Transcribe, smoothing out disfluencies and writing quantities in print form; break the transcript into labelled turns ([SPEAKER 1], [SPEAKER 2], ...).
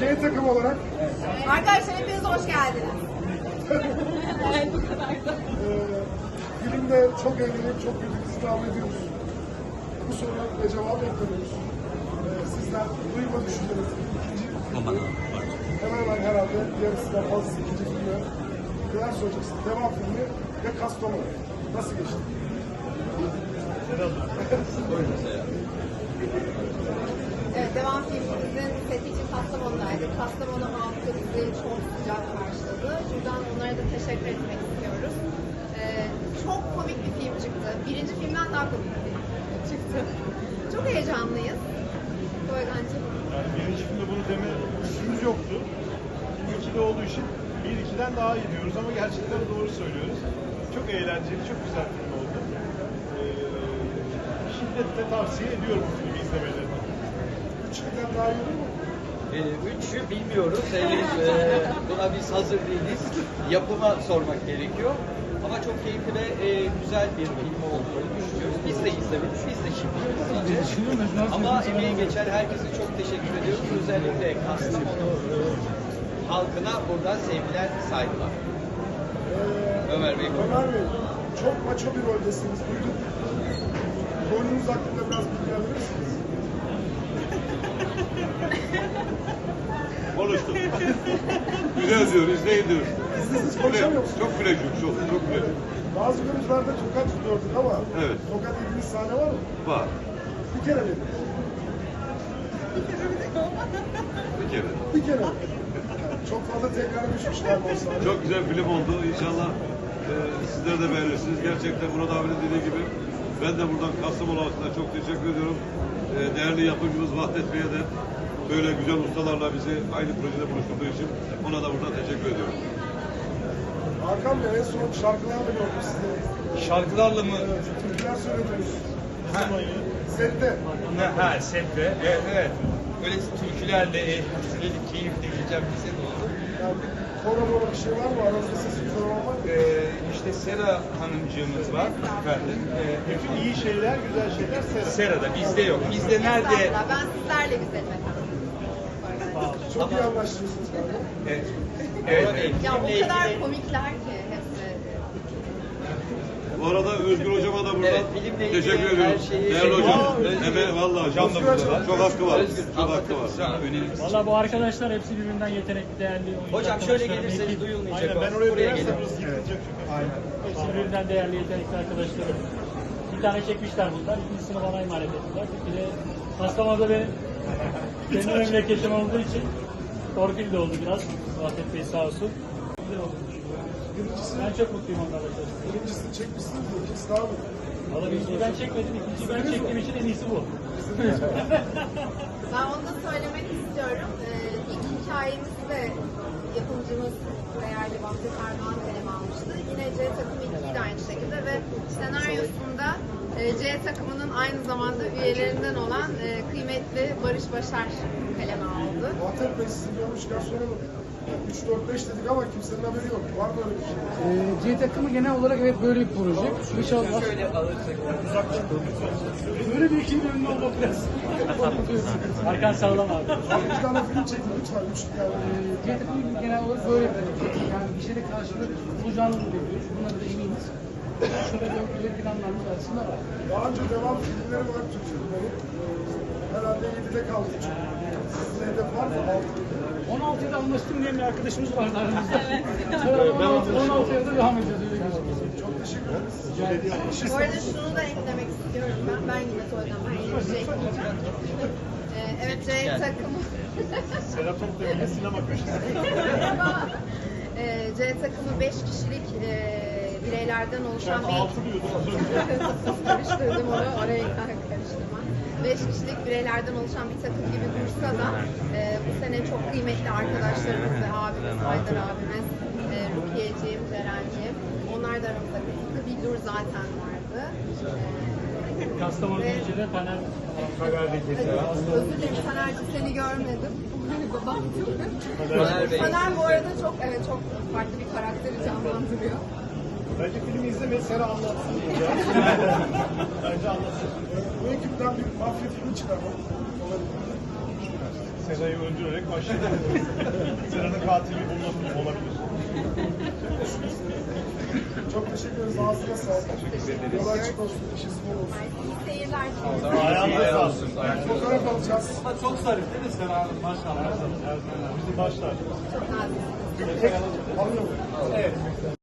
[SPEAKER 1] C takım olarak
[SPEAKER 2] Arkadaşlar hepiniz hoş geldiniz. Evet, bu kadar da.
[SPEAKER 1] filmde çok eğlenip çok güldük devam ediyoruz. Bu soruya ve cevap bekliyoruz. Sizler duyma düşünceniz. İkinci hemen herhalde yarısından fazlası ikinci filmi. Neler söyleyeceksiniz? Devam filmi ve Kastamonu. Nasıl geçti?
[SPEAKER 2] Evet, devam filmimizin seti için Kastamonu'daydık. Kastamonu halkı bizi çok sıcak karşıladı. Buradan onlara da teşekkür etmek istiyoruz. Çok komik bir film çıktı. Birinci filmden daha komik bir film çıktı. Çok heyecanlıyız. Boygancığım.
[SPEAKER 3] Yani birinci filmde bunu deme lüksümüz yoktu. İkili olduğu için bir ikiden daha iyi diyoruz ama gerçekten doğru söylüyoruz. Çok eğlenceli, çok güzel film oldu. Şiddetle tavsiye ediyorum bu filmi izlemelerini.
[SPEAKER 1] Üçünden daha iyi olur mu?
[SPEAKER 4] Üçü bilmiyoruz. Henüz buna biz hazır değiliz. Yapıma sormak gerekiyor. Ama çok keyifli ve güzel bir film olduğunu düşünüyoruz. Biz de izlemedik. Biz de şimdi izleyeceğiz. Ama emeği geçen herkese çok teşekkür ediyoruz. Özellikle Kastamonu halkına buradan sevgiler, saygılar. Ömer Bey.
[SPEAKER 1] Ömer Bey, çok maço bir roldesiniz. Duyduk. Rolünüz hakkında biraz bilgi alır mısınız?
[SPEAKER 5] Konuştum. Güzel diyor, izleyin diyor.
[SPEAKER 1] Siz konuşamıyor musunuz?
[SPEAKER 5] Çok flash'ım, çok flash'ım.
[SPEAKER 1] Bazı görüntülerde tokat tutuyorduk ama
[SPEAKER 5] Evet.
[SPEAKER 1] tokat dediğiniz sahne var mı?
[SPEAKER 5] Var.
[SPEAKER 1] Bir kere mi?
[SPEAKER 5] Bir kere.
[SPEAKER 1] Bir kere mi? Çok fazla tekrar düşmüş galiba o sahne.
[SPEAKER 5] Çok güzel film oldu. İnşallah sizler de beğenirsiniz. Gerçekten Murat abinin dediği gibi ben de buradan Kastamonu halkına çok teşekkür ediyorum. Değerli yapımcımız Vahdet Bey'e de böyle güzel ustalarla bizi aynı projede buluşturduğu için ona da buradan teşekkür ediyorum.
[SPEAKER 1] Hakan Bey en son şarkılarla gördüm sizi.
[SPEAKER 6] Şarkılarla mı?
[SPEAKER 1] Türküler söylediniz.
[SPEAKER 6] Ha,
[SPEAKER 1] Sette.
[SPEAKER 6] ha sette. Evet, evet. Öyle türkülerle keyifli geçen bir set oldu.
[SPEAKER 1] Yani koro bir şey var mı? Aranızda ses güzel olmak var mı?
[SPEAKER 6] İşte Sera hanımcığımız var efendim.
[SPEAKER 3] Bütün iyi şeyler, güzel şeyler Sera.
[SPEAKER 6] Sera'da bizde yok. Bizde nerede?
[SPEAKER 2] Estağfurullah, ben sizlerle güzelim efendim.
[SPEAKER 1] Çok iyi anlaşıyorsunuz galiba.
[SPEAKER 6] Evet. Evet.
[SPEAKER 2] Ya o kadar komikler ki hepsi.
[SPEAKER 5] Bu arada Özgür Hocama da buradan
[SPEAKER 4] Evet, filmle ilgili
[SPEAKER 5] teşekkür
[SPEAKER 4] her
[SPEAKER 5] ediyorum.
[SPEAKER 4] şeyi-
[SPEAKER 5] Değerli hocam.
[SPEAKER 6] Özgür.
[SPEAKER 5] Hemen vallahi
[SPEAKER 6] Hocam da buradalar.
[SPEAKER 5] çok hakkı var.
[SPEAKER 4] Özgür,
[SPEAKER 5] Çok hakkı var.
[SPEAKER 6] Sana önerimiz.
[SPEAKER 7] Valla bu arkadaşlar hepsi birbirinden yetenekli, değerli oyuncu
[SPEAKER 4] Hocam şöyle
[SPEAKER 7] arkadaşlarım,
[SPEAKER 4] gelirseniz
[SPEAKER 7] ekip.
[SPEAKER 4] duyulmayacak.
[SPEAKER 3] Aynen, ben
[SPEAKER 4] o.
[SPEAKER 3] oraya
[SPEAKER 4] Buraya
[SPEAKER 3] dönersem
[SPEAKER 4] gelin.
[SPEAKER 3] burası yıkılacak çünkü.
[SPEAKER 7] Hepsi birbirinden değerli, yetenekli arkadaşlarım. Bir tane çekmişler bunlar, ikincisini bana emanet ettiler. Bir de Kastamonu'da benim kendi memleketim olduğu için torpil de oldu biraz. Vahdet Bey sağ olsun. Güzel olduğunu düşünüyorum. Ben çok mutluyum onlarla çalıştım.
[SPEAKER 1] Birincisini çekmişsiniz mi? İkincisi daha mı?
[SPEAKER 7] Valla birinciyi ben çekmedim, ikinciyi ben çektiğim için en iyisi bu.
[SPEAKER 2] Ben onu da söylemek istiyorum. İlk hikayemizi de yapımcımız değerli Vahdet Armağan kaleme almıştı. Yine C takımı 2'yi de aynı şekilde ve senaryosunda C takımının aynı zamanda üyelerinden olan kıymetli Barış Başar kaleme aldı.
[SPEAKER 1] Vahdet Bey sizi görmüşken soralım. 3, 4, 5 dedik ama kimsenin haberi yok. Var mı öyle bir şey?
[SPEAKER 8] C takımı genel olarak evet böyle bir proje. İnşallah
[SPEAKER 4] Şöyle alırsak.
[SPEAKER 8] böyle bir ekibin önünde olmak biraz korkutuyor.
[SPEAKER 7] Arkan sağlam abi.
[SPEAKER 1] Bir tane film çekin lütfen. Üç yani.
[SPEAKER 8] C takımı genel olarak böyle bir proje. Yani bir şeyde karşılık bulacağını bekliyoruz. Bunları da eminiz. Şöyle böyle planlarımız arasında var.
[SPEAKER 1] Daha önce devam filmleri var Türk filmleri. Herhalde 7'de kaldı. Sizin hedef var mı?
[SPEAKER 8] 16'da anlaştım diye bir arkadaşımız vardı aramızda. Evet. 16'ya da devam edeceğiz öyle gözüküyor.
[SPEAKER 1] Çok teşekkür ederiz.
[SPEAKER 2] Bu arada şunu da eklemek istiyorum ben. Ben yine söyleyeceğim. Ben yeni bir şey ekleyeceğim. Evet, C takımı.
[SPEAKER 3] Serap Toplu'ya sinema köşesi.
[SPEAKER 2] C takımı 5 kişilik bireylerden oluşan bir...
[SPEAKER 3] Altı diyordum az önce.
[SPEAKER 2] Karıştırdım onu, oraya karıştırma. 5 kişilik bireylerden oluşan bir takım gibi dursa da bu sene çok kıymetli arkadaşlarımız ve abimiz, Haydar abimiz, Rukiye'ciğim, Ceren'ciğim. Onlar da aramızda Sıtkı Bildur zaten vardı.
[SPEAKER 7] Kastamonu Büyücü'de Taner
[SPEAKER 2] Özür dilerim Taner'cim, seni görmedim. Baktım.
[SPEAKER 4] Taner Bey.
[SPEAKER 2] Taner bu arada çok farklı bir karakteri canlandırıyor.
[SPEAKER 3] Bence filmi izlemeyi Sera anlatsın. Bence anlatsın.
[SPEAKER 1] Bu ekipten bir mafya filmi çıkarmak olabilir.
[SPEAKER 3] Sena'yı öldürerek başladı. Sena'nın katili olabilir.
[SPEAKER 1] Çok teşekkür ederiz. Ağzına sağlık. Yol açık olsun. İşiniz bol olsun.
[SPEAKER 2] İyi seyirler.
[SPEAKER 3] Ayağınıza sağlık.
[SPEAKER 1] Fotoğraf alacağız.
[SPEAKER 3] Çok zarif değil mi Sena Hanım? Maşallah. Bizim başlar.
[SPEAKER 2] Çok nazik.
[SPEAKER 1] Alıyorum.
[SPEAKER 3] Evet.